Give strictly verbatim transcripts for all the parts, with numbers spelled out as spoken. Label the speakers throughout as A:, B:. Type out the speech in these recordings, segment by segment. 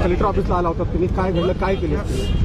A: Collector ऑफिसला आला होता तुम्ही, काय घडलं, काय केलं?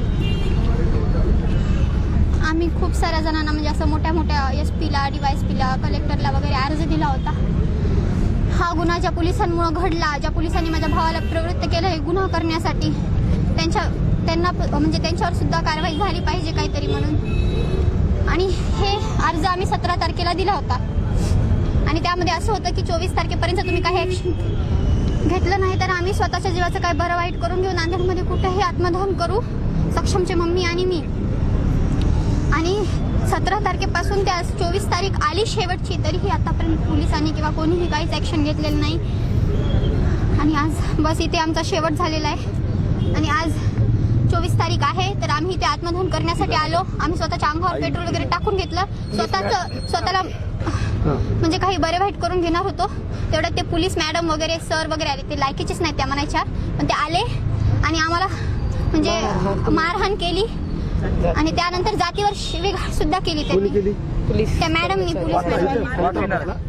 B: आम्ही खूप साऱ्या जणांना म्हणजे असं मोठ्या मोठ्या एस पीला डी वाय एस पीला कलेक्टरला वगैरे अर्ज दिला होता. हा गुन्हा ज्या पोलिसांमुळे घडला, ज्या पोलिसांनी माझ्या भावाला प्रवृत्त केलं हे गुन्हा करण्यासाठी, त्यांच्या त्यांना म्हणजे त्यांच्यावर सुद्धा कारवाई झाली पाहिजे काहीतरी म्हणून. आणि हे अर्ज आम्ही सतरा तारखेला दिला होता आणि त्यामध्ये असं होतं की चोवीस तारखेपर्यंत तुम्ही काही ॲक्शन घेतलं नाही तर आम्ही स्वतःच्या जीवाचं काय बरं वाईट करून घेऊ, नांदेडमध्ये कुठेही आत्मदहन करू, सक्षमचे मम्मी आणि मी. आणि सतरा तारखेपासून त्या चोवीस तारीख आली शेवटची, तरीही आतापर्यंत पोलिसांनी किंवा कोणीही काहीच ॲक्शन घेतलेलं नाही. आणि आज बस इथे आमचा शेवट झालेला आहे. आणि आज चोवीस तारीख आहे तर आम्ही इथे आत्मदहन करण्यासाठी आलो. आम्ही स्वतःच्या अंगावर पेट्रोल वगैरे टाकून घेतलं, स्वतःचं स्वतःला म्हणजे काही बरे वाईट करून घेणार होतो. तेवढ्यात ते पोलीस मॅडम वगैरे सर वगैरे आले, ते लायकीचेच नाही त्या म्हणायच्या, पण ते आले आणि आम्हाला म्हणजे मारहाण केली आणि त्यानंतर जातीवर शिवीगाळ सुद्धा केली त्यांनी, त्या मॅडमनी, पोलीस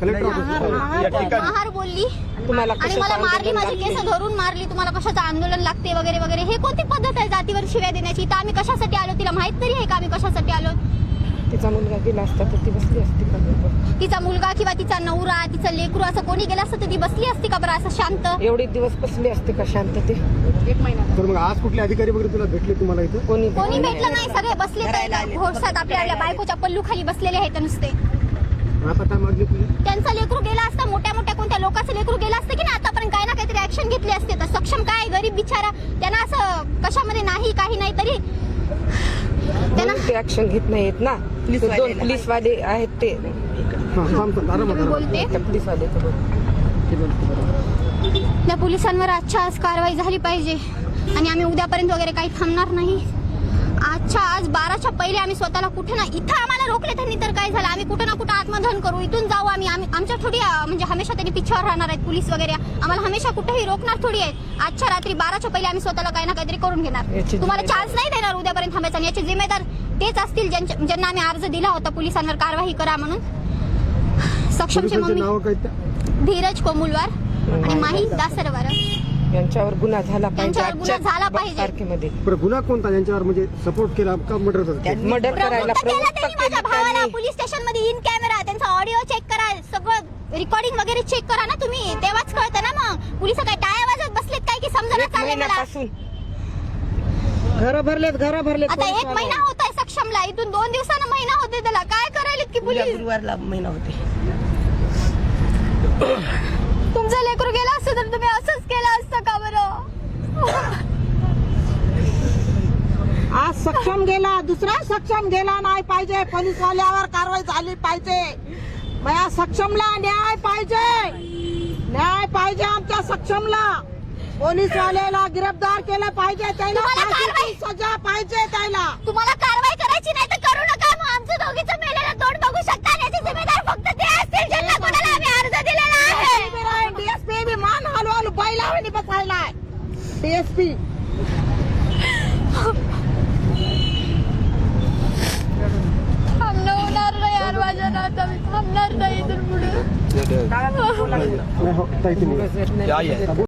B: महार बोलली आणि मला मारली, माझी केस धरून मारली, तुम्हाला कशाचं आंदोलन लागते वगैरे वगैरे. हे कोणती पद्धत आहे जातीवर शिव्या देण्याची? तर आम्ही कशासाठी आलो तिला माहित तरी आहे का आम्ही कशासाठी आलो?
C: तिचा मुलगा गेला असता तर ती बसली असती का?
B: तिचा मुलगा किंवा तिचा नवरा, तिचं लेकरू असं कोणी गेलं असतं तर ती बसली असती का बरं असं शांत?
C: एवढे दिवस बसली असते का शांत? ते एक महिना.
A: तर मग आज कुठले अधिकारी वगैरे तुला भेटले तुम्हाला इथे?
C: कोणी
B: कोणी भेटलं नाही, सगळे बसले घोडसात आपल्या आपल्या बायकोच्या पल्लू खाली बसलेले आहेत नुसते.
A: आता काय मागणी तुझी?
B: त्यांचा लेकरू गेला असता, मोठ्या मोठ्या कोणत्या लोकांचं लेकरू गेला असतं की ना, आतापर्यंत काही ना काहीतरी ऍक्शन घेतली असते. तर सक्षम काय गरीब बिचारा, त्यांना असं कशामध्ये नाही काही नाही तरी त्यांना
C: ते ऍक्शन घेत नाहीत ना. दोन पोलीसवाले आहेत ते
B: बोलते,
C: पोलीसवाले
B: त्या पोलिसांवर आजच्या आज कारवाई झाली पाहिजे. आणि आम्ही उद्यापर्यंत वगैरे काही थांबणार नाही. आजच्या आज बाराच्या पहिले आम्ही स्वतःला कुठे ना, इथं आम्हाला रोखले त्यांनी तर काय झालं, आम्ही कुठं ना कुठं आत्मदहन करू, इथून जाऊ आम्ही. आमच्या थोडी म्हणजे हमेशा त्यांनी पिछावर राहणार आहेत पोलीस वगैरे, आम्हाला हमेशा कुठेही रोखणार थोडी आहेत. आजच्या रात्री बाराच्या पहिले आम्ही स्वतःला काही ना काहीतरी करून घेणार. तुम्हाला चान्स नाही देणार उद्यापर्यंत थांबायचा. आणि याचे जिम्मेदार तेच असतील ज्यांना आम्ही अर्ज दिला होता पोलिसांवर कारवाई करा म्हणून. सक्षमचे मम्मी धीरज कोमुलवार आणि माही दासरवार
C: यांच्यावर गुन्हा झाला पाहिजे.
B: त्यांच्यावर गुन्हा झाला पाहिजे.
C: तारखेमध्ये
A: गुन्हा कोणता ज्यांच्यावर म्हणजे सपोर्ट केला का मर्डर
C: मर्डर करायला
B: माझ्या भावाला पोलीस स्टेशन मध्ये इन कॅमेरा त्यांचा ऑडिओ चेक करा, सगळं रेकॉर्डिंग वगैरे चेक करा ना तुम्ही, तेव्हाच कळतं ना. मग पोलिस काय टाळ्या वाजत बसलेत काय की समजा चाललंय मला.
C: घर भरलेत घर भरलेत
B: आता एक महिना होत आहे सक्षमला, इथून दोन दिवसानं महिना होते त्याला. काय करायलेत की पोलीस?
C: गुरुवारला महिना होते.
B: तुमचं लेकरू गेला असतं तर तुम्ही असंच केलं असतं का बरं?
D: आज सक्षम गेला, दुसरा सक्षम गेला नाही पाहिजे. पोलीस वाल्यावर कारवाई झाली पाहिजे. माझ्या सक्षमला न्याय पाहिजे, न्याय पाहिजे आमच्या सक्षमला. पोलीस वाल्याला गिरफ्तार केलं पाहिजे, त्याला फाशीची सजा पाहिजे. त्याला
B: तुम्हाला कारवाई करायची नाही तर करू नका. मग आमचं दोघीचं मेलेलं तोंड बघू शकता. याचे जिम्मेदार फक्त ते असतील ज्यांना कोणाला आम्ही अर्ज दिलेला आहे.
D: डीएसपी बी मान हलू हलू बैलावणी बसायलाय. डीएसपी
B: थांबणं होणार नाही यार माझ्या नाता, मी थांबणार नाही इथून पुढे.